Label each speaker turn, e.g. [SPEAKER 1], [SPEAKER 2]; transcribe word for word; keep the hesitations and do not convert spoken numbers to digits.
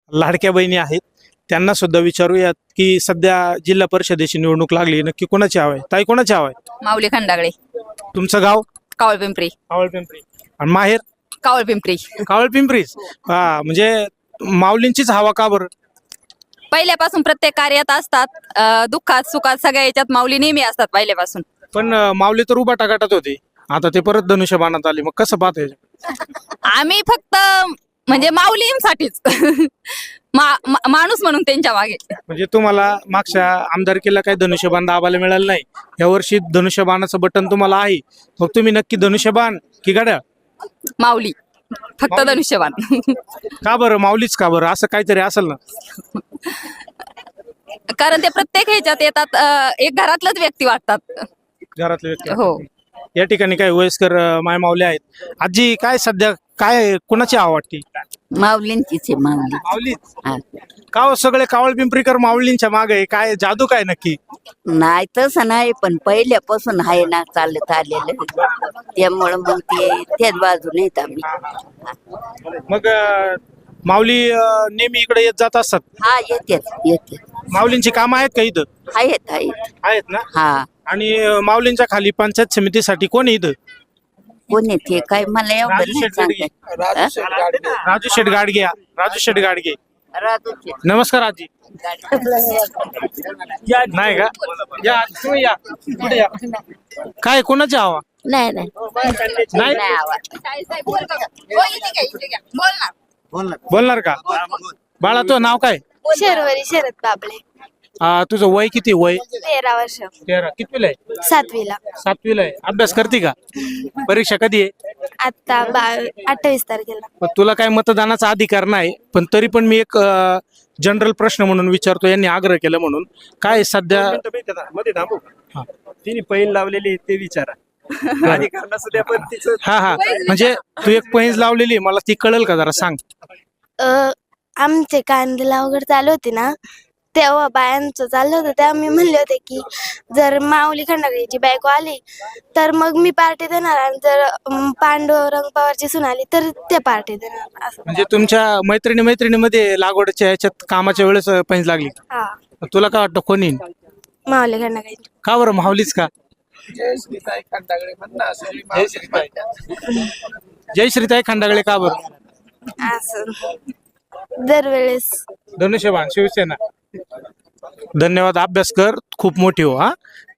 [SPEAKER 1] लाडक्या बहिणी आहेत त्यांना सुद्धा विचारूयात की सध्या जिल्हा परिषदेची निवडणूक लागली, नक्की कोणाची हवा आहे? ताई, कोणाची हवा आहे?
[SPEAKER 2] माऊली खंडागळे,
[SPEAKER 1] तुमचं गाव?
[SPEAKER 2] कावळपिंपरी.
[SPEAKER 1] कावळपिंपरी. आणि माहेर?
[SPEAKER 2] कावळपिंपरी.
[SPEAKER 1] कावळपिंपरी. हा, म्हणजे माऊलींचीच हवा का बरं?
[SPEAKER 2] पहिल्यापासून प्रत्येक कार्यात असतात, अं, दुःखात सुखात सगळ्या याच्यात माऊली नेहमी असतात पहिल्यापासून.
[SPEAKER 1] पण अं, माऊली तर उभा टाकाटात होती, आता ते परत धनुष्यबाणात आली, मग कसं पाहते?
[SPEAKER 2] आम्ही फक्त म्हणजे माऊलींसाठीच मा- मा- माणूस म्हणून त्यांच्या मागे.
[SPEAKER 1] म्हणजे तुम्हाला मागच्या आमदारकीला काही धनुष्यबाण दाबायला मिळालं नाही, या वर्षी धनुष्यबाणाचं बटन तुम्हाला आहे, मग तुम्ही नक्की धनुष्यबाण की घड्याळ?
[SPEAKER 2] माऊली, फक्त
[SPEAKER 1] माऊली.
[SPEAKER 2] धनुष्यबाण.
[SPEAKER 1] का बरं माऊलीच का बरं? असं काहीतरी असेल ना.
[SPEAKER 2] कारण ते प्रत्येक ह्याच्यात येतात, अं, एक घरातलंच व्यक्ती वाटतात.
[SPEAKER 1] घरातले व्यक्ती.
[SPEAKER 2] हो.
[SPEAKER 1] या ठिकाणी काही वयस्कर अं, माय माऊली आहेत. आजी, काय सध्या काय कोणाची आवडती?
[SPEAKER 3] माऊलींचीच आहे माऊली.
[SPEAKER 1] माऊली.
[SPEAKER 3] हा.
[SPEAKER 1] का हो, सगळे कावळ पिंपरीकर माऊलींच्या मागे आहे? काय जादू काय नक्की?
[SPEAKER 3] नाही तसं नाही, पण पहिल्यापासून आहे ना चालत आलेलं, त्यामुळं मग ते त्याच बाजूने येत आम्ही.
[SPEAKER 1] मग अं, माऊली अं, नेहमी इकडे येत जात असतात.
[SPEAKER 3] हा येतेच येते,
[SPEAKER 1] माऊलींची कामं आहेत का इथं?
[SPEAKER 3] आहेत आहेत.
[SPEAKER 1] आहेत ना.
[SPEAKER 3] हा,
[SPEAKER 1] आणि अं, माऊलींच्या खाली पंचायत समितीसाठी कोण आहे इथं?
[SPEAKER 3] कोण येते काय मला एवढं
[SPEAKER 1] राजू
[SPEAKER 3] नाही
[SPEAKER 1] शेट
[SPEAKER 3] सांगता.
[SPEAKER 1] राजू शेट गाडगे. राजू शेट गाडगे.
[SPEAKER 3] राजूचे.
[SPEAKER 1] नमस्कार आजी. या नाही का? या तुम्ही या, पुढे या. काय कोणाची हवा?
[SPEAKER 3] नाही नाही
[SPEAKER 1] नाही
[SPEAKER 3] नाही आवाज.
[SPEAKER 1] बोलणार का? बाळा, तो नाव काय?
[SPEAKER 4] शर्वरी शरद बाबळे.
[SPEAKER 1] आ, तुझं वय किती? वय
[SPEAKER 4] तेरा वर्ष.
[SPEAKER 1] तेरा. कितवीला आहे?
[SPEAKER 4] सातवीला.
[SPEAKER 1] सातवीला आहे. अभ्यास करते का? परीक्षा कधी आहे?
[SPEAKER 4] आता बा अठ्ठावीस तारखेला.
[SPEAKER 1] पण तुला काय मतदानाचा अधिकार नाही, पण तरी पण मी एक जनरल प्रश्न म्हणून विचारतो, यांनी आग्रह केला म्हणून. काय सध्या
[SPEAKER 5] मध्ये थांबू.
[SPEAKER 1] हा.
[SPEAKER 5] तिने पैन लावलेली ते विचारा. अधिकार नसू द्या, पण तिचं
[SPEAKER 1] हा हा म्हणजे तू एक पैंज लावलेली आहे, मला ती कळेल का जरा सांग?
[SPEAKER 4] अ, आमचे कांदेला वगैरे चालू होते ना, तेव्हा बायांचं चाललं होतं, तेव्हा मी म्हणले होते की जर माऊली खंडागळेची बायको आली तर मग मी पार्टी देणार, आणि जर अम, पांडुरंग पवारची सून आली तर ते पार्टी देणार असं.
[SPEAKER 1] म्हणजे तुमच्या मैत्रिणी मैत्रिणीमध्ये लागवडच्या याच्यात कामाच्या वेळेस पैंज लागली.
[SPEAKER 4] हा,
[SPEAKER 1] तुला काय वाटतं कोणी येईल?
[SPEAKER 4] माऊली खंडागळेची.
[SPEAKER 1] का बरं माऊलीच का?
[SPEAKER 5] जय श्रीताई खंडागळे म्हणणं असेल.
[SPEAKER 1] जय श्रीताई. जय श्रीताई खंडागळे का बरं?
[SPEAKER 4] असं दरवेळेस.
[SPEAKER 1] धनुष्यबाण शिवसेना. धन्यवाद. अभ्यास कर, खूप मोठी हो. हा.